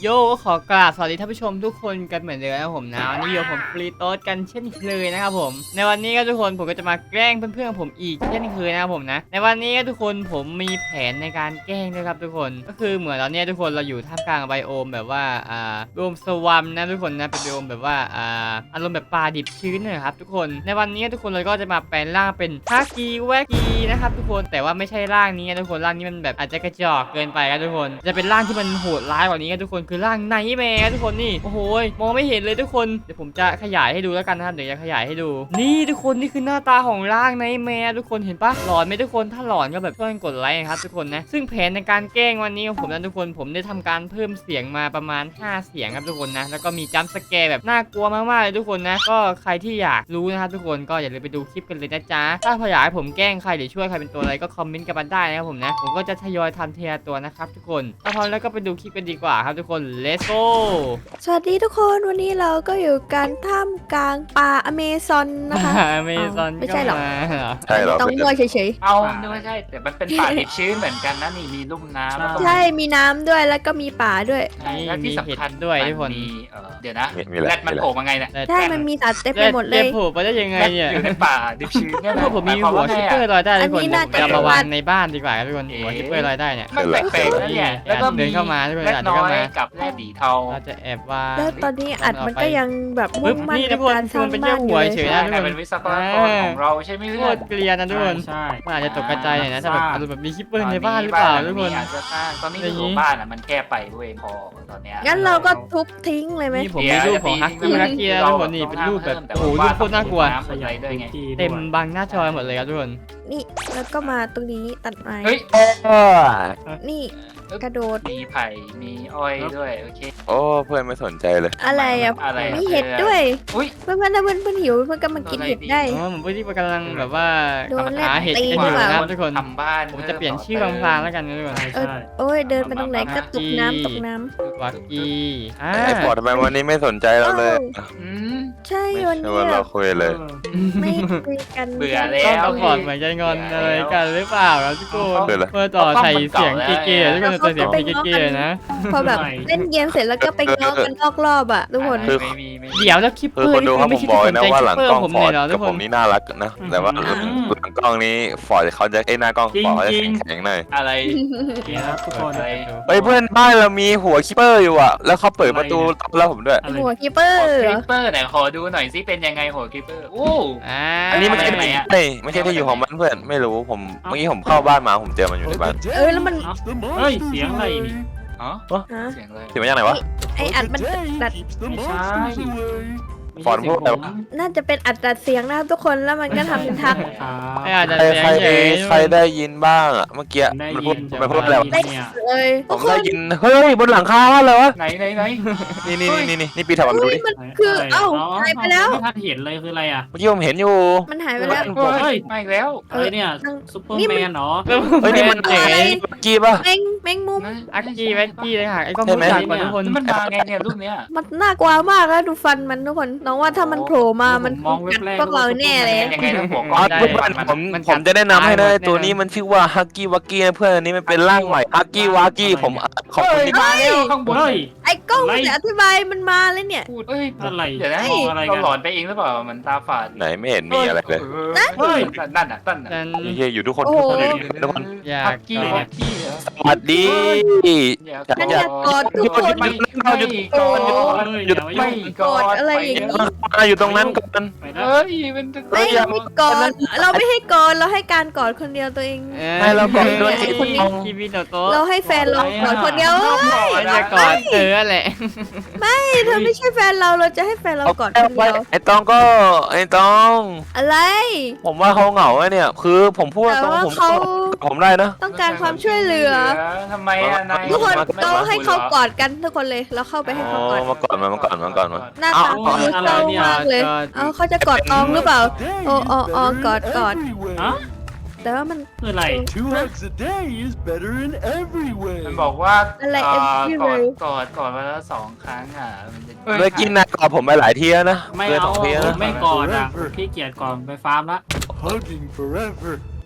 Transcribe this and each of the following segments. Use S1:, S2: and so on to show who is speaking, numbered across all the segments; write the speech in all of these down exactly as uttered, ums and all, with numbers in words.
S1: โยก็ขอกราบสวัสดีท่านผู้ชมทุกคนกันเหมือนเดิมนะครับผมนะวันนี้อยู่ผมฟรีโต้กันเช่นเคยนะครับผมในวันนี้ก็ทุกคนผมก็จะมาแกล้งเพื่อนๆผมอีกเช่นเคยนะครับผมนะในวันนี้ก็ทุกคนผมมีแผนในการแกล้งด้วยครับทุกคนก็คือเหมือนตอนนี้ทุกคนเราอยู่ท่ามกลางไบโอมแบบว่าอ่าไบโอมสวัมนะทุกคนนะเป็นไบโอมแบบว่าอ่าอารมณ์แบบป่าดิบชื้นนะครับทุกคนในวันนี้ทุกคนเราก็จะมาแปลงร่างเป็นฮากีแวกีนะครับทุกคนแต่ว่าไม่ใช่ร่างนี้นะทุกคนร่างนี้มันแบบอาจจะกระจอกเกินไปครับทุกคนจะเป็นร่างที่มันโหดร้ายกว่านี้ครับทุกคนคือร่างไนท์แมร์ทุกคนนี่โอ้โหมองไม่เห็นเลยทุกคนเดี๋ยวผมจะขยายให้ดูแล้วกันนะครับเดี๋ยวจะขยายให้ดูนี่ทุกคนนี่คือหน้าตาของร่างไนท์แมร์ทุกคนเห็นปะหลอนไหมทุกคนถ้าหลอนก็แบบช่วยกดไลค์ครับทุกคนนะซึ่งแผนในการแกล้งวันนี้ของผมนะทุกคนผมได้ทำการเพิ่มเสียงมาประมาณห้าเสียงครับทุกคนนะแล้วก็มีจัมป์สแกร์แบบน่ากลัวมากๆเลยทุกคนนะก็ใครที่อยากรู้นะครับทุกคนก็อย่าลืมไปดูคลิปกันเลยนะจ๊ะถ้าอยากให้ผมแกล้งใครหรือช่วยใครเป็นตัวอะไรก็คอมเมนต์กันมาได้นะครับผมนะผมก็จะทยอยทำเทียตัวนะครับทุกคนถ้าพร้อมแล้วก็ไปดูคลิปกันดีกว่าครับทุกคน let's go
S2: สวัสดีทุกคนวันนี้เราก็อยู่กันท่ามกลางป่าอเมซอนนะคะ
S1: อเมซอน
S2: ไม่ใช่หรอก
S3: ใช่เหรอ
S2: ต้องมั่วเฉย
S4: เอานึกว่าใช่แต่มันเป็นป่าดิบชื้นเหมือนกันนะนี่มีลุ่มน้ำแล้วก็
S2: ๆ ใช่มีน้ำด้วยแล้วก็มีป่าด้วย
S4: และที่สำคัญ
S1: ด้วยทุกคน
S4: มีเอ่อเดี๋ยวนะ
S3: มีมีอะไร
S4: แรดมันโผล่มาไงเนี่ย
S2: ใช่มันมีสัตว์เต็มไปหมดเลย
S1: โผล่ไปได้ยังไง
S4: แรด
S1: เนี่ย
S4: อยู่ในป่าดิบชื้นเนี่ย
S1: พวกผมมี
S4: หาย
S1: หัว
S4: คา
S1: คิป
S4: ว่า
S1: เปอร์ลอยได้ทุกคน
S2: อันนี้น่าจะ
S1: จะมาวางในบ้านดีกว่าทุกคนหัวคิปเปอร์ลอยได้เนี่ย
S4: มันแปลกๆนะเนี่ยแล้วก็
S1: เดินเข้ามาทุกคน
S4: แรด
S1: อาจจะ
S4: น้อ
S1: เข้าย มา
S4: กับแรดสีเทา
S1: เราจะแอบวาง
S2: แล้วตอนนี้อัดมันก็ยังแบบมุ่งมั่น
S1: นี่
S2: ใน
S1: ทุกคน
S2: การสร้าง
S1: มันเป็น
S2: บ้านอ
S1: แค่หั
S2: ยู่
S1: ว
S2: เลย
S1: เฉย
S4: ใช่กลายเป็นวิศวกรของเราใช่ไหม
S1: โค
S4: เพื่อน
S1: ตรเกลียนนะทุกคน
S5: ใช่
S1: มันอาจจะตกกระจายหน่อยนะถ้าแบบอารมณ์แบบมีคิปเปอร์ในบ้านหรือเปล่าทุกคน
S4: อาจจะสร้างตอนนี้
S1: อย่างนี้
S4: อยู่บ้านอ่ะมันแก้ไปเว้ยพอตอนเนี้ย
S2: งั้นเราก็ทุบทิ้งเลยไหม
S1: นี่ผมมีรูปของฮักกี้ฮักกี้แล้วทุกคนนี่เป็นรูปแบบโอ้โหรูปโคตรน่ากลัว
S4: ขยายด้วยไง
S1: เต็มบังหน้าจอหมดเลยครับทุกคน
S2: นี่แล้วก็มาตรงนี้ตัดไม้
S4: เฮ้ย
S2: นี่กระโดด
S4: มีไผ่มีอ้อยด้วยโอเค
S3: โอ้เพื่อนไม่สนใจเลย
S2: อะไรอ่ะ
S4: อะไร
S2: มีเห็ดด้วย
S4: อุ้ย
S2: เพื่อนๆถ้าเพื่อนๆหิวเพื่อนก็มากินเห็ดได้
S1: อ๋อผมพี่กำลังแบบว่า
S2: โดน
S1: หาเห็ดกันอยู่
S2: เล่นตีหรือเปล่า
S1: นะครับทุกคน
S4: ทำบ้าน
S1: ผมจะเปลี่ยนชื่อบางพลางแล้วกันนะทุกคน
S5: ใช่
S2: เออ
S5: ใช่
S2: โอ้ยเดินไปตรงไหนก็ตกน้ำตกน้ำ
S1: วักกี้อ่า
S3: ไอ้ปอดทำไมวันนี้ไม่สนใจเราเลย
S4: อืม
S2: ใช่
S3: ไม่
S2: วัน
S3: ใช่
S2: นี้
S3: ว่า
S2: แบ
S3: เรา
S2: บ
S3: คุยเลย
S2: ไม่คุยกัน
S4: เบื่อแล้
S1: ก็
S4: ว
S1: ต้องบอกเหมือนใจงอนอะไรกันหรือเปล่าครับทุกคน
S3: เบื่อเลย
S1: เพื่อต่อใส่เสียงเก๋ๆทุกคนต่อเสียงเก๋ๆนะ
S2: พอแบบเล่นเกมเสร็จแล้วก็ไปง้อกันนอกรอบอ่ะทุกคน
S3: คือ
S4: ไม่มีไม่มี
S1: เดี๋ยวแล้วคิปเป
S3: คือ
S1: อ
S3: ค
S1: ร์
S3: น
S1: นี่
S3: ดู
S1: คื
S3: เขา
S1: อไม่
S3: ผม
S1: ใช่
S3: บอก
S1: ส
S3: เลย
S1: น
S3: นะ
S1: ใจ
S3: ว่า
S1: คิ
S3: หลั
S1: ป
S3: ง
S1: เปอร์
S3: กล้อง
S1: ผม
S3: ฟอ
S1: เลย
S3: ร์ด
S1: เหรอทุ
S3: กั
S1: ก
S3: บ
S1: ค
S3: ผ
S1: น
S3: มนี่น่ารักนะ แต่ว่าหลังกล้องนี้ฟอร์ดเขาจะไอ้หน้ากล้องฟอร์ดเขาจะแข็งๆหน่อย
S4: อะไร
S5: โอเคครับทุกคน
S4: อะไร
S3: เฮ้ยเพื่อนบ้านเรามีหัวคิปเปอร์อยู่อ่ะแล้วเขาเปิดประตูต้อนรับผมด้วย
S5: อะไร
S2: หัวคีเปอร์
S4: โห
S2: เหร
S4: คลิ
S2: อ
S4: ปเปอร์ไหนขอดูหน่อยซิเป็นยังไงโหคลิปเปอร์โอ้
S1: อ่า
S3: อันนี้ไม่ใช่
S4: ทำไมอะ
S3: ไม่ไม่ใช่ที่อยู่ของมันเพื่อนไม่รู้ผมเมื่อกี้ผมเข้าบ้านมาผมเจอมันอยู่ในบ้าน
S2: เออแล้วมัน
S5: เอ้าเฮ้ย เสียงอะไรนี่
S4: อ๋อ
S2: ฮะ
S4: เสียงอะไร
S3: เสียงมาจากไหนวะ
S2: ไออัดมันดัด
S5: ไม่ใช่
S3: ฟอนต์พูดอะไรวะ
S2: น่าจะเป็นอัดดัดเสียงนะครับทุกคนแล้วมันก็ทำเป็นทัก
S5: ครับ
S1: ไม่อาจจะ
S3: ใคร
S1: เสียง
S3: ใคร
S1: เฉย
S3: ใครได้ยินบ้างอ่ะเมื่อกี้
S5: ได้
S3: มัน
S5: ยิ
S3: พูด
S5: น
S3: มันพูดอะไรวะ
S5: ได้ยินเนี่ย
S2: เลย
S3: ผ
S2: ทุก
S3: ม
S2: ค
S3: ได้
S2: น
S3: ยินเฮ้ยบนหลังคาบ้านเลยวะ
S4: ไหนไหนไหน
S3: นี่นี่นี่นี่นี่ปีถัดมาดู
S2: อุ้ย
S3: ดิ
S2: มันคือเอ้าหายไปแล้ว
S5: ไม่ทันเห็นเลยคืออะไรอ่ะ
S3: เมื่อกี้ผมเห็นอยู่
S2: มันหายไปแล้ว
S4: เฮ้ยมาอีกแล้ว
S5: เอ้ยเนี่ยซุปเปอร์แมนเหรอ
S3: เฮ้ยนี่มัน
S1: เฉย
S3: เมื่อกี้ป่ะ
S2: แมงแมงมุม
S1: อักกี้แว็กกี้เลยค่ะไอ้กล้อง
S3: ใช่ไหม
S1: รู้จักกว่าทุกคน
S4: มันมาไงเนี่ยรูปเนี้ย
S2: มันน่ากลัวมากแล้วดูฟันมันทุกคนน้องว่าถ้ามันโผล่มามัน
S5: มองเว็
S2: กับ ด
S5: แรก
S2: พวกเราแน่เลย
S4: ยังไงนะหัว
S3: อ๋
S4: ก้
S3: อ
S4: อน
S1: ได้
S3: เพื่อนผม
S1: มัน
S3: ผมจะแนะนำให้นะ
S1: มัน
S3: ตัวนี้มันชื่อว่าฮักกี้วักกี้นะเพื่อนอันนี้มันเป็นร่างใหม่ฮักกี้วักกี้ผมขอบคุณที่
S4: มาแล้วข้างบน
S5: เฮ้ย
S2: ไอ้กล้องมันจะอธิบายมันมาเลยเนี่ย
S4: พูดเอ้ย
S5: อะไร
S4: เดี๋ยวนะ
S5: มองอะไร
S4: เรา
S5: กัน
S4: หลอนไปเองหรือเปล่ามันตาฝาด
S3: ไหนไม่เห็นมีอะไรเลย
S4: เฮ้ยนั่นน่ะนั่นน่ะ
S1: ฉัน
S3: เฮียอยู่ทุกคน
S2: โอ้
S3: ทุก
S2: โห
S3: คนอยู่ทุกคน
S1: อยา
S4: ฮั
S1: ก
S4: กกี้ฮักกี้เหรอ
S3: สวัสดี
S4: อยาก
S2: ฉันอยากกอดทุกคน
S4: ไม่ไม่กอด
S5: เฮ้ยอย่ามา
S4: ไม่
S5: ยุ่ง
S4: กอด
S2: อะไรอย่างนี้
S3: มาอยู่ตรงนั้นกัน
S5: ไปนะ
S4: เฮ้ยมัน
S2: ไม่เราไม่กอดเราไม่ให้กอดเราให้การกอดคนเดียวตัวเอง
S3: ให้เรากอดด้วย
S2: ไอ้คนนี้
S1: คีบิโนโตะ
S2: เราให้แฟนเรากอดคนเดียว
S1: มันจะกอดเธอแหละ
S2: เธอไม่ใช่แฟนเราเราจะให้แฟนเรากอดคนเดียว
S3: ไอ้ตองก็ไอ้ตอง
S2: อะไร
S3: ผมว่าเขาเหงาอะเนี่ย คือผมพูด
S2: แต่
S3: ตรง
S2: ว่า
S3: ผม
S2: เขา
S3: ผมได้นะ
S2: ต้องการความช่วยเหลือ
S4: ทำไมอะนาย
S2: ทุกคน
S3: มา
S2: เราให้เขากอดกันทุกคนเลยเราเข้าไปให้
S3: อ๋
S2: เขากอด
S3: อมาก่อนมามาก่อนมาก่อนมา
S2: หน้าตาเขาดูเศร้ามากเลยเอาเขาจะกอดตองหรือเปล่าโอ้โอ้โอ้กอดกอด
S5: ฮะ
S2: แต่ว่ามัน
S5: คืออะไร
S6: Two eggs a day is better in every way.
S4: มันบอกว่า
S2: อะไร
S4: เอ่อ
S2: every
S4: กอด
S2: way
S4: กอดกอดมาแล้วสองครั้งอ่ะมันจะ
S3: เมื่อกี้นายกอดผมไปหลายทีแล้วนะ
S5: ไม่
S3: เกินส
S5: เอา
S3: องทีแล้วนะ
S5: ไม่กอดอ่ะขี้เกียจก่อนไปฟาร์มละ
S6: Hugging forever.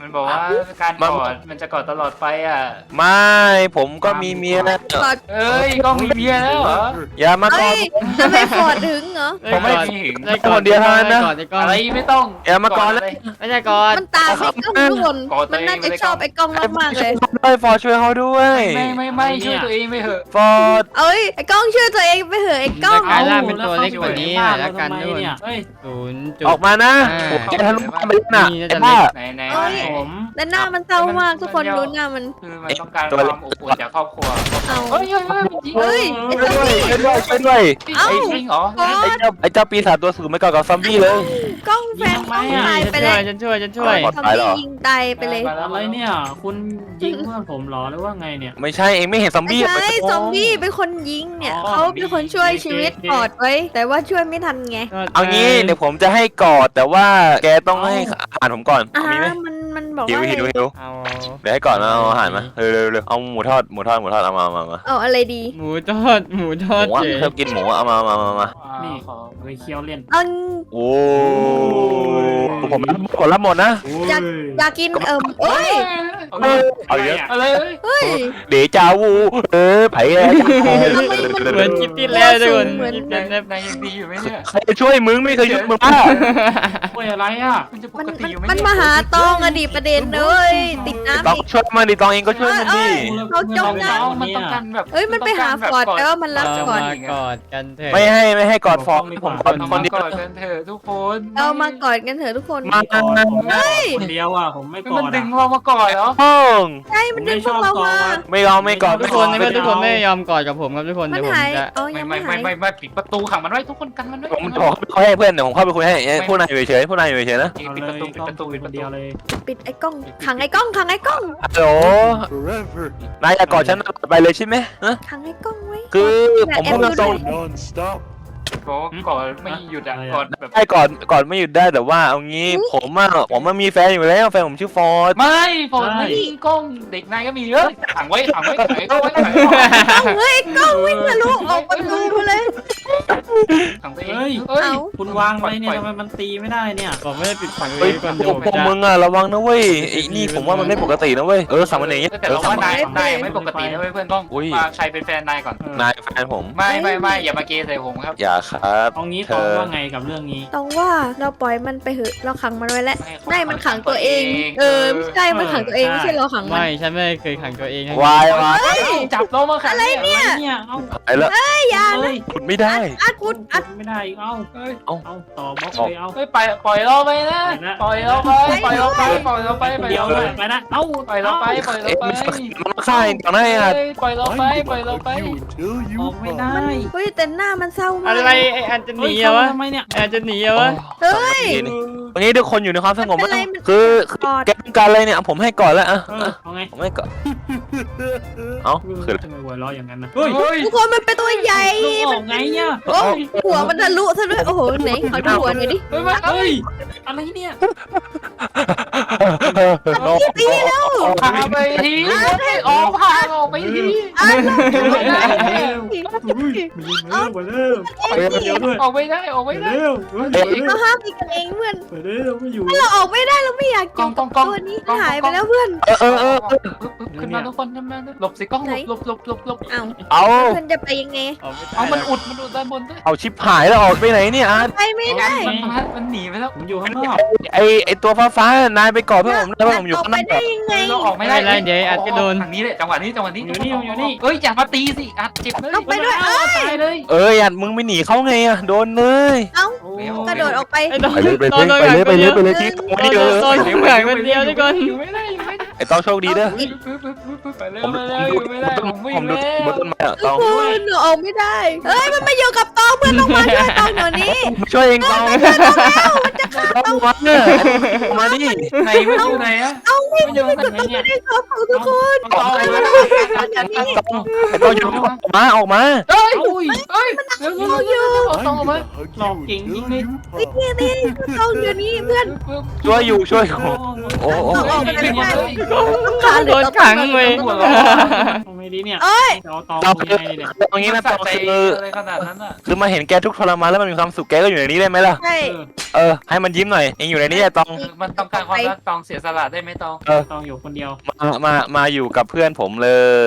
S4: มันบอกว่าการกอดมันจะกอดตลอดไปอ่ะ
S3: ไม่ผมก็มีเมียแล้ว
S2: กอด
S4: เอ้ยกล้องมีเมียแล้วเหรอ
S3: อย่ามากอ
S2: เอ้
S3: ด
S2: ยจะไม่ฟอดถึงเหรอ
S3: ผมไม่
S1: ด้
S4: ถึง
S1: ได้กอ
S3: คนเดียวเท่านั้นนะ
S1: ได้กอดได้กอด
S4: อะไรไม่ต้อง
S3: อย่ามากอดเลย
S1: ไม่ใช่กอด
S2: มันตามไอ้กล้องทุกคนมันน่าจะชอบไอ้กล้องมากๆเลย
S3: ด้วยฟอร์ช่วยเขาด้วย
S4: ไม่ไม่ไม่ช่วยตัวเองไม่เถอะ
S3: ฟอร์ด
S2: เอ้ยไอ้กล้องช่วยตัวเองไปเถอะไอ้กล้อง
S1: กลายร่างเป็นตัวเล็กกว่านี้หน่อยละกัน
S5: ทำไม
S1: ด้วย
S5: เนี่ยเฮ้ย
S1: ศูนย์จุด
S3: ออกมานะ
S1: อ่า
S3: โอ้แกทะลุบ้านไปแล้วน่ะ
S1: นี่น่า
S3: ไอ้
S1: จะ
S3: บ้า
S4: ไหนไหน
S2: เอ้ย
S5: ผม
S2: แต่หน้ามันเศร้ามากทุกคนดูหน้ามัน
S4: คือมันต้องการความอบอุ่นจากครอบครัว
S2: เอา
S4: เฮ้ยเฮ้ยเฮ้ยมันยิง
S2: เฮ้ยไอ้
S3: ช่วย
S2: ซอม
S3: ด้วย
S2: บี้
S3: ช่วยด้วยช่วยด้วย
S2: เอ้า
S4: จริงเหรอ
S2: กอ
S3: ไอ้
S2: ด
S3: เจ้าไอ้เจ้าปีศาจตัวสูงไม่ก่อกับซอมบี้เลย
S2: กล้องแฟนกล้องตาย
S1: ฉัน
S2: ไป
S1: ช่
S2: เล
S1: วย
S2: ย
S1: ฉันช่วยฉันช่วย
S3: ปลอด
S2: ซอม
S3: ภัยเหร
S2: บี้
S3: อ
S2: ยิงตายไปเลย
S5: อะไรเนี่ย คุณยิงเพื่อนผมเหรอหรือว่าไงเนี่ย
S3: ไม่ใช่เองไม่เห็นซอม
S2: ไม่
S3: บี้
S2: ใช่ซอมบี้เป็นคนยิงเนี่ยเขาเป็นคนช่วยชีวิตกอดไว้ แต่ว่าช่วยไม่ทันไง
S3: เอางี้เดี๋ยวผมจะให้กอดแต่ว่าแกต้องให้อาหารผมก่อน
S2: อ่า
S3: มีไหม
S2: มันมันบอก
S3: หิว
S2: ว่า
S3: หิวหิว
S1: เอา
S3: เดี๋ยวให้ก่อนเอาอาหารมาเร็วเร็วเร็วเอาหมูทอดหมูทอดหมูทอดเอามามามา
S2: เอาอะไรดี
S1: หมูทอดหมูทอด
S3: ผมว่า
S1: เฉย
S3: ชอบกินหมูเอามามามามา
S5: นี่
S4: ขอ
S5: ไปเคี้ยวเล่น
S2: เอา
S3: โอ้ผมผมรับหมดนะ
S2: อยากอยากกินเอิ่มเอ้ย
S3: เอาเยอะ
S4: อะไรเอ้ย
S2: เฮ้ย
S3: เดจาวูเออไผ่อะ
S1: เหมือนคลิปที่แล้วทุกคน
S2: เหมือน
S1: คลิป
S4: นาย
S1: นั้น
S4: นายยังดีอยู่ไหมเนี่ย
S3: ใครจะช่วยมึงไม่เคยช่วยมึงป้า
S5: โอ้ยอะไรอ่ะ
S4: มันจะป
S2: มัน
S4: กติ
S2: มัน
S4: อยู่ไหม
S2: มัน
S4: เนี่ย
S2: มาหาตองอะดิประเด็นเลยติดน้ำ
S3: ต้อง
S2: อีก
S3: ช่วยมันดิตองเองก็ช่วยมันดิ
S2: เขาจมน้
S4: มันต้องการแบบ
S2: เอ้ยมันไปหาฟอร์ดแล้วมันรับ
S1: เรา
S2: ก่อน
S1: มากอดกันเถอะ
S3: ไม่ให้ไม่ให้กอดฟองผมกอด
S4: เอา
S3: ค
S4: มาน
S3: เดียว
S4: กอดกันเถอะทุกคน
S2: เรามากอดกันเถอะทุกคน
S3: มา
S5: ผมไม่กอดคนเดียวอ่ะผมไม่กอ
S4: มัน
S5: ด
S4: ดึ
S5: อ่ะ
S4: งเรามากอดเหรอ
S3: ห้อง
S2: ใช่มันดึงพวกเรามา
S3: ไม่เอาไม่กอด
S1: ทุ
S3: ไม่
S1: ก
S3: ก
S1: ค
S3: อน ด
S1: ในเมื่อทุกคนไม่ยอมกอดกับผมครับทุกคน
S2: มัน
S1: เดี๋ยวผม
S2: หาย
S1: จะ
S2: เอา
S4: ไม่
S2: ยัง
S4: ไม่
S2: ไม่
S4: ไม่
S2: หาย
S4: ไม่ไม่ปิดประตูขังมันไว้ทุกคนกันมันไว้
S3: ผมขอเขาให้เพื่อนเดี๋ยวผมเข้าไปคุยให้พวกนายอยู่เฉยพวกนายอยู่เฉยนะ
S4: ปิดประตูปิดประตูปิด
S5: ค
S4: ประ
S5: น
S4: ตู
S5: เดียวเลย
S2: ปิดไอ้กล้องขังไอ้กล้องขังไอ้กล้อง
S3: ฮัลโหล
S6: Forever.
S3: นายจะกอดฉันไปเลยใช่ไหมฮะ
S2: ขังไอ้กล้องไว้
S3: คือผมพูดตรง
S6: Non-stop.
S4: ก็กอดไม่หยุดอ่ะกอดแบบ
S3: ๆได้กอดกอดไม่หยุดได้แต่ว่าเอางี้ผมอ่ะผมมันมีแฟนอยู่แล้วแฟนผมชื่อฟอร์ด
S4: ไม่ฝนไม่ยิงกล้องเด็กนายก็มีเยอะขังไว้ขังไว้ขังไว้ขังไว้ขังไว้
S2: กล้องเฮ้ยไอ้กล้องวิ่งทะลุออกประตูมาเลย
S4: ขังตัวเอง
S5: เฮ้ย
S4: เฮ้ย
S2: เอา
S5: คุณวางไว้เนี่ยทำไมมันตีไม่ได้เนี่ย
S1: ผมไม่ได้ปิดฝังเล
S3: เฮ้ย
S1: ยก่อน
S3: พ
S1: เดี๋ยว
S3: ว
S1: ผ
S3: ก
S1: มจะ
S3: มึงอ่ะระวังนะเว้ยไอ้นี่ผมว่ามันไม่ปกตินะเว้ยเออสั่งมันอย่างเงี้ย
S4: แต่
S3: เออ
S4: เรา
S3: สั่ง
S4: ว่า
S3: มัน
S4: นายนายไม่ปกตินะเว้ยเพื่อนกล้อง
S3: อุ้ย
S4: มาใครเป็นแฟนนายก่อน
S3: นายแฟนผม
S4: ไม่ไม่ไม่อย่ามาเกย์ใส่ผมครับ
S3: อย่าครับ
S5: เอางี้
S3: เธ
S5: ตอง
S3: อ
S5: ว่าไงกับเรื่องนี้
S2: ต้องว่าเราปล่อยมันไปเหอะเราขังมันไว้แล้วไม่มันขังตัวเอง เออไม่ใช่มันขังตัวเองไม่ใช่เราขังมัน
S1: ไม่ฉันไม่เคยขังตัวเองนะ
S3: วายวาย
S4: จับเรามาขังอะไรเนี่ย
S5: เนี่ยเอ้า
S3: ไอ้ละ
S2: อย่า
S5: เอ้ย
S3: ขุดไม่ได้
S2: อัดกุดอัด
S5: ไม่ได้อีกเอ้า
S4: เฮ้ย
S5: เอาต่อบล็อกเลยเอา
S4: เฮ้ยปล่อยปล่อยเราไปนะปล่อยเราไปปล่อยเราไปปล่อยเราไปปล่อย
S5: เดียว
S4: เรา
S5: เล
S4: ไป
S5: ยไปนะเอ้า
S4: ปล่อยเราไปปล่อยเรา
S3: เอ๊ะ
S4: ไป
S3: มันมาฆ่าเองก่อนนะไอ้อ่ะ
S4: ปล่อยเราไป
S6: I'm
S4: ปล่อย
S6: gonna
S4: เราไป
S6: hug you until
S5: อ
S6: you
S5: อกไม่ได้
S6: fall.
S2: เฮ้ยแต่หน้ามันเศร้ามาก
S1: อะไรไอ้อันจะห
S5: เฮ้
S1: นี
S5: ย
S1: อะ
S5: เข้าว
S1: ะ
S5: ทำไมเนี่ย
S1: ไอ้อันจะหนีอะวะ
S2: เฮ้ย
S3: วันนี้ทุกคนอยู่ในความสงบ
S2: ไม่เป็นไรมัน
S3: คือคือก
S2: อด
S3: แกต้องการอะไรเนี่ยผมให้ก่อนแล้วอ่ะ
S5: เออเอาไง
S3: ผมให้ก่อนเอ้าคืออะไร
S5: ทำไมหัวเราะอย่างนั้นนะเฮ้ย
S4: เฮ้ย
S2: ทุกคนมันเป็นตัวใหญ่
S5: ลูกออกไงเนี่ย
S2: โอ้ยหัวมันทะลุซะด้วยโอ้โหไหนขอดูหัวหน่อยดิ
S4: เฮ้ยมา
S5: เฮ้ยอะไรเนี่ย
S2: ตีแล้ว
S4: พาไปทีออกพาออกไปที
S2: อ้าว
S5: อุ้ยมียิงเร็วไปเร็วไปเร็วด้วย
S4: ออกไม่ได้ออก
S5: ไป
S4: ไม่ได้
S5: เร็วเร็ว
S2: เราห้ามตีกันเองเพื่อน
S5: ไปเร็วไม่อยู่
S2: เราออกไม่ได้เราไม่อยากกินตัวนี้หายไปแล้วเพื่อน
S3: เออเออเออ
S4: ขึ้นมาทุกคนขึ้นมาหลบสิกล้องหลบหลบหลบหลบ
S2: อ้าว
S3: เอา
S2: เพื่อนจะไปยังไง
S4: เอามันอุดมันอุดด้านบนด้วย
S3: เอาชิปหายแล้วออกไปไหนเนี่ยอาร์ต
S2: ไปไม่ได้
S4: มันมันหนีไปแล้ว
S5: ผมอยู่ข้างนอก
S3: ไอไอตัวฟ้าฟ้านายไปก่อนเพื่อนผมได้ว่าผมอยู่
S2: ออก
S3: ข้าง
S2: ไป
S3: นอก
S2: ได้ยังไง
S4: เราออกไม่ได้ทางนี้เลยจังหวะนี้จังหวะนี้เอ้ยอย่ามาตีสิอัดเจ็บเลย
S2: ลงไปด้วยเอ้ย
S4: ตายเลย
S3: เอ้ยอัดมึงไม่หนีเขาไงอะโดนเลย
S2: เอ้า
S5: โอ้
S2: กระโดดออกไป
S1: ไอ้ตอน
S3: ไปเลยไป
S1: ตอน
S3: เลย
S1: โดน
S3: ไปเลย
S1: ขัง
S3: ไปเลย
S1: คน
S3: ไป
S1: เดียว
S3: เลยที่ตรง
S1: ตอน
S3: นี้
S1: โด
S3: เล
S1: น
S3: ย
S1: ตอนอยู่ขังคนเดียวทุกคน
S4: อยู่ไม่ได้อยู่ไม่ได้
S3: ไอต้องโชคดีเด้อ
S4: ไปเร็วไปเร็วอยู่ไม่ได้ผมวิ่
S3: ผ
S4: ง
S3: มดู
S4: แล้ว
S3: บนต้นไม้อะ
S2: ทุ
S3: ต้
S2: ก
S3: อง
S2: คนหนูออกไม่ได้เอ้ยมันมาอยู่กับตองเพื่อนต้องมาช่วยตองหน่อยนี้
S3: ช่วยเองต้องต้องมาเนี่ยมาดิ
S4: ไหนไม่อยู่ไหนอะ
S2: เอาไม่
S5: ไม่อยู่
S2: ไม่
S5: ข้าง
S2: กด
S5: ไหน
S2: ต้อง
S5: เนี่ย
S2: ไม่ได้ครับทุกคน
S4: ต่อเลย
S2: ไม่ต้องช่วยตองอย่างนี้
S3: ไอต้องอยู่ออกมาออกมา
S4: เฮ้ยเฮ้ยเร็วเร็วเร็วเอาตองออกมา
S6: I'm gonna hug
S5: Lọc
S6: you
S5: kính
S6: until
S5: đi.
S6: you
S2: นี่
S6: fall.
S2: นี่ตองอยู่นี่เพื่อน
S3: ช่วยอยู่ช่วย
S5: โอ้
S3: โอ้โอ้
S2: ออกไปไม่ได้
S1: โดนขังเว้ย
S5: ทำไมดีเนี่ย
S2: เอ้ย
S5: จะเอาตอง
S3: ตอง
S5: ยังไงเนี่ย
S3: ตรงนี้นะ
S4: มั
S3: ตอง
S4: สะใจ
S3: คือ
S4: อะไรขนาดนั้นอ่ะ
S3: คือมาเห็นแกทุกข์ทรมานแล้วมันมีความสุขแกก็อยู่ในนี้ได้ไหมล่ะ
S2: ใช่
S5: เออ
S3: เออให้มันยิ้มหน่อยเองอยู่ในนี้อะตอง
S4: มันต้องการความรักตองเสียสละได้ไหมตอง
S5: ตองอยู่คนเดียว
S3: มามามาอยู่กับเพื่อนผมเลย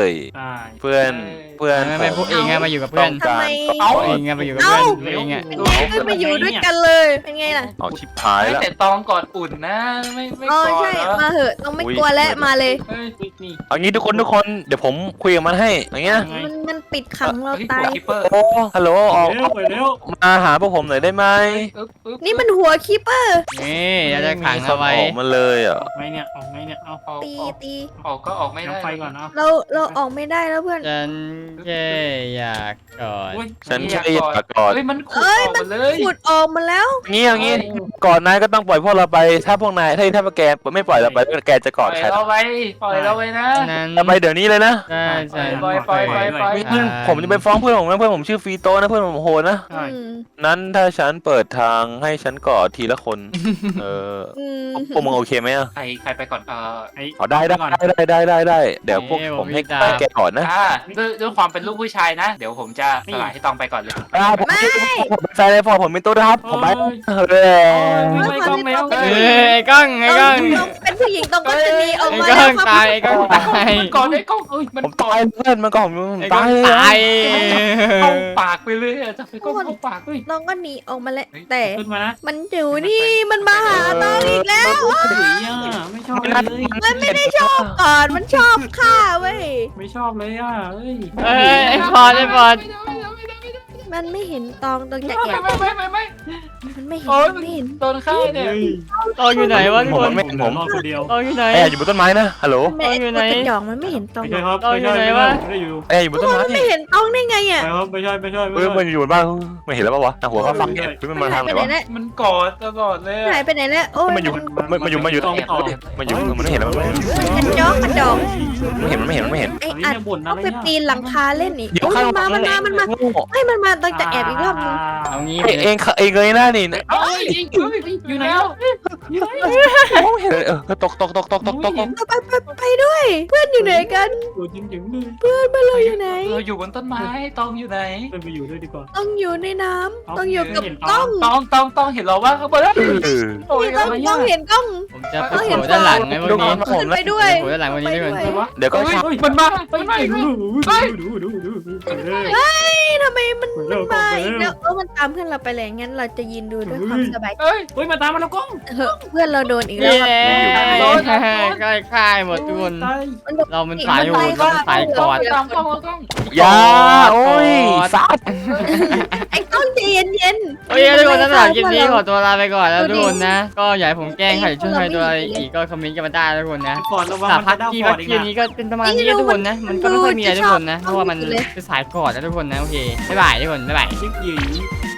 S5: ใช่
S3: เพื่อนเพื่อน
S1: ไม่ไม่พวกเองไงมาอยู่กับเพื่อน
S2: ทำไม
S3: เอา
S1: เองไงมาอยู่กับเพื่อนพวกเองอ่ะ
S2: เป็นไงก็มาอยู่ด้วยกันเลยเป็นไงล่ะ
S3: เอาชิบหาย
S4: ไม่
S3: แล้ว
S4: แต่ตองกอดอุ่นนะไม่ไม่
S2: อ๋อก
S4: อด
S2: ใช่
S4: เหรอ
S2: มาเหอะต้องไม่กลัวแล้วมาเลย
S4: เฮ้ย
S5: อุ๊ยนี่
S3: เอางี้ทุกคนทุกคนเดี๋ยวผมคุยกับมันให้อย่างเงี้ย
S5: ยังไง
S2: มันมันปิดขังเรา
S4: เฮ้ย
S2: ตาย
S4: คิปเปอร์
S3: โอ้ฮัลโหลออก
S5: เร็วไปเร็ว
S3: มาหาพวกผมหน่อยได้ไหม
S4: อึ๊บอึ๊บ
S2: นี่มันหัวคีเปอร์
S1: นี่เราจะขังเอาไว้
S3: ออกมาเลยอ่ะ
S5: ออกไงเนี่ยออกไงเนี่ยเอา
S4: ออก
S2: ตี
S4: ออก
S2: ตี
S4: ออกก็ออกไม่ได้
S5: น้ำไฟก่อนเอา
S2: เราเราออกไม่ได้แล้วเพื่อน
S1: ฉันแค่อยากกอด
S4: อุ๊ย
S3: ฉันแค่อยากกอด
S4: เฮ้ยมันขุด
S2: เอ้ย
S4: ออก
S2: มั
S4: มาน เลย
S2: ขุดออกมาแล้ว
S3: งี้อย่างงี้ก่อนนายก็ต้องปล่อยพวกเราไป ถ้าพวกนายถ้าถ้าแกไม่ปล่อยเราไปแกจะก
S4: ปล่
S3: อ
S4: อ
S3: ด
S4: ย
S3: ใคร
S4: เราไปปล่อยเราไปนะ
S1: นั้น
S3: เราไปเดี๋ยวนี้เลยนะ
S1: ใช่ใช่
S4: ปล่อยปล่อยปล่อยปล่อย
S3: เพื่อนผมจะไปฟ้องเพื่อนผมนะเพื่อนผมชื่อฟีโตนะเพื่อนผมโหดนะ
S5: ใช่
S2: อืม
S3: นั้นถ้าฉันเปิดทางให้ฉันกอดทีละคน เออ
S2: อืม
S3: พวกมึงโอเคไหมอ่ะ
S4: ใครใครไปก่อนเออ
S5: ไอ้
S3: อ๋อได้ได้
S5: ก่อน
S3: ได้ได้ได้ได้เดี๋ยวพวกผมให้แกก่อนนะ
S4: อ่าด้วยด้วยความเป็นลูกผู้ชายนะ เดี๋ยวผมจะสลายให้ตองไปก่อนเลย
S3: อ่าผมผมเป็นแฟนเลยพอผมเป็นตัวนะครับผมไปเออ
S5: ไม่ต้องแล้ว
S1: เอ้ยไอ้กล้องไอ้กล้อง
S2: ต้องเป็นผู้หญิงต้องก็จะมีออก
S1: ไอ้
S2: มาก
S1: ล้
S2: แล้ว
S1: อง
S2: ครับ
S1: ตายไอ้กล้องตาย
S4: ก่อนไอ้กล้องเอ้ยมัน
S3: ผมตายเพื่อนมันก็ผมผม
S1: ไอ้กล้
S3: ตา
S1: อง
S3: ยเลย
S1: ตาย
S4: เข้าปากไปเลยอะจะไปกล้องเข้าปากเฮ้ย
S2: น้องก็หนีออกมาแล้วแต่
S5: ขึ้นมานะ
S2: มันอยู่นี่มันมาหาน้องอีกแล้ว
S5: สีอ่ะไม่ชอบเลย
S2: มันไม่ได้ชอบก่อนมันชอบฆ่าเว้ย
S5: ไม่ชอบเลยอ่ะเอ้ย
S1: เอ้ยไอ้พอดไอ้พอด
S2: มันไม่เห็นตองตองจะ
S4: ไม่
S2: แอบ
S4: ไม่ไม่ไม่ไม่
S2: มันไม่เห็น
S4: โอ้ย
S2: มันไม่เห็น
S4: โดนฆ่าเนี่ย
S5: เฮ้ย
S1: ตองอยู่ไหนวะทุก
S3: ผม
S1: คน
S3: ไม่เห็นผม
S5: รอดคนเดียว
S1: ตองอยู่ไหน
S3: แอบอยู่บนต้นไม้นะฮัลโหล
S2: มันไม่
S1: อยู่ไหน
S2: ไอ้ตัวกระจอกมันไม่เห็นตอง
S5: ไม่ใช่ครับไม่ใช่ไม่ได้อยู่
S3: แอบอยู่บนต้นไม้
S2: มันไม่เห็นตองได้ไงอ่ะ
S5: ไม่ครับไม่ใช่ไม่ใช่ไม่
S3: เฮ้ย
S5: ใช่
S3: มันอยู่บนบ้านไม่เห็นแล้วปะวะหัวเขาฟังเนี่ยมัน
S2: มั
S3: มาน
S2: หา
S3: ทาย งไห
S2: ไป
S3: น
S2: ไหน
S3: วะ
S2: แล้ว
S4: มันกอดตลอดเลย
S2: หายไปไหนแล้วโอ้ย
S3: มันอยู่มันมันอยู่มันอยู่ตรงนี้มันอยู่มันไม่เห็นแล้วมันไม่เห็น
S2: กระจอกกระจอก
S3: ไม่เห็นมันไม่เห็นมันไม่เห็น
S2: ไอ้
S5: อันนี้
S2: อัด
S5: เนี่ยบ่นอะ
S2: ต้อง
S5: ไร
S2: ไป
S5: เนี่ย
S2: ปีนหลังคาเล่นอีก
S3: เดี๋ยว
S2: โอ้ย
S3: ข้าง
S2: มันมามันมามันมาให้มันมาต้องจะแอบอีกรอบนึง
S1: เอางี้
S3: เองเองเองเลยหน้านี่
S4: เอ้ยอยู่ไหนแล้ว
S3: เห็นเออตกตกตกตกตกตก
S2: ไปไปไปไปด้วย เพื่อนอยู่ไหนกัน
S5: อยู่จริงจริงเลย
S2: เพื่อนมาเลยอยู่ไหน
S4: เราอยู่บนต้นไม้ตองอยู่ไหน
S5: เพื่อนไปอยู่ด้วยดีกว่า
S2: ต้องอยู่ในน้ำต้องอยู่กับกล้อง
S4: ตองตองตองเห็นเราว่าข้างบนแล้วโอ้ย
S2: ต้องต้องเห็นกล้อง
S1: ผมจะไปโผล่ด้านหลังไงวันนี้
S2: ขึ้นไปด้วย
S1: โผล่ด้านหลังวันนี้ด้วยกัน
S2: ไปด้วย
S3: เดี๋ยวก็ชัก
S4: มันมา
S5: ไป
S4: มัน
S5: ไป
S4: มา
S5: ดูดูดูดูดูดูไปเลย
S2: เฮ้ยทำไมมัน
S5: ไป
S2: มัน
S5: เร็ว
S2: มา
S5: ไป
S2: อีก
S5: เร็
S2: แล้ว วเออมันตามเพื่อนเราไปเลยงั้นเราจะยืนดูด้วยความสบายใจ
S4: เอ้ย
S5: เฮ้ยมาตามมาแล้วกล้อง
S2: เฮ้ยเพื่อนเราโดนอีกแล้
S1: นี่
S2: ว
S1: แหละ
S4: โดน
S1: ใกล้ค่ายหมดทุกคน
S5: ตาย
S2: มันโดน
S1: เรามันสายโหดเรามันสายกอด
S4: ตามกล้องกล้อง
S3: ยาโอ้ยซัด
S2: ไอ้กล้องใจเย็นเย็นๆ
S1: โอเคทุกคนสำหรับคลิปนี้ขอตัวลาไปก่อนแล้วทุกคนนะ ก็อยากให้ผมแกล้งใครช่วยใครตัวอะไรอีกก็คอมเมนต์กันมาได้ทุกคนนะ
S5: ฟอร์ดระวัง
S1: สา
S5: มัน
S1: พัก
S5: จะได้
S1: ที่
S5: ฟอ
S1: พั
S5: ร์
S1: ก
S5: ดอีก
S1: ที่
S5: นะ
S1: นี้ก็เป็นประมาณนี้นะทุกคนนะ มันก็ไม่ค่อยมีอะไรทุกคนนะ เพราะว่ามันเป็นสายกอดนะทุกคนนะโอเคบ๊ายบายทุกคนบ๊ายบาย
S5: ชิคหยี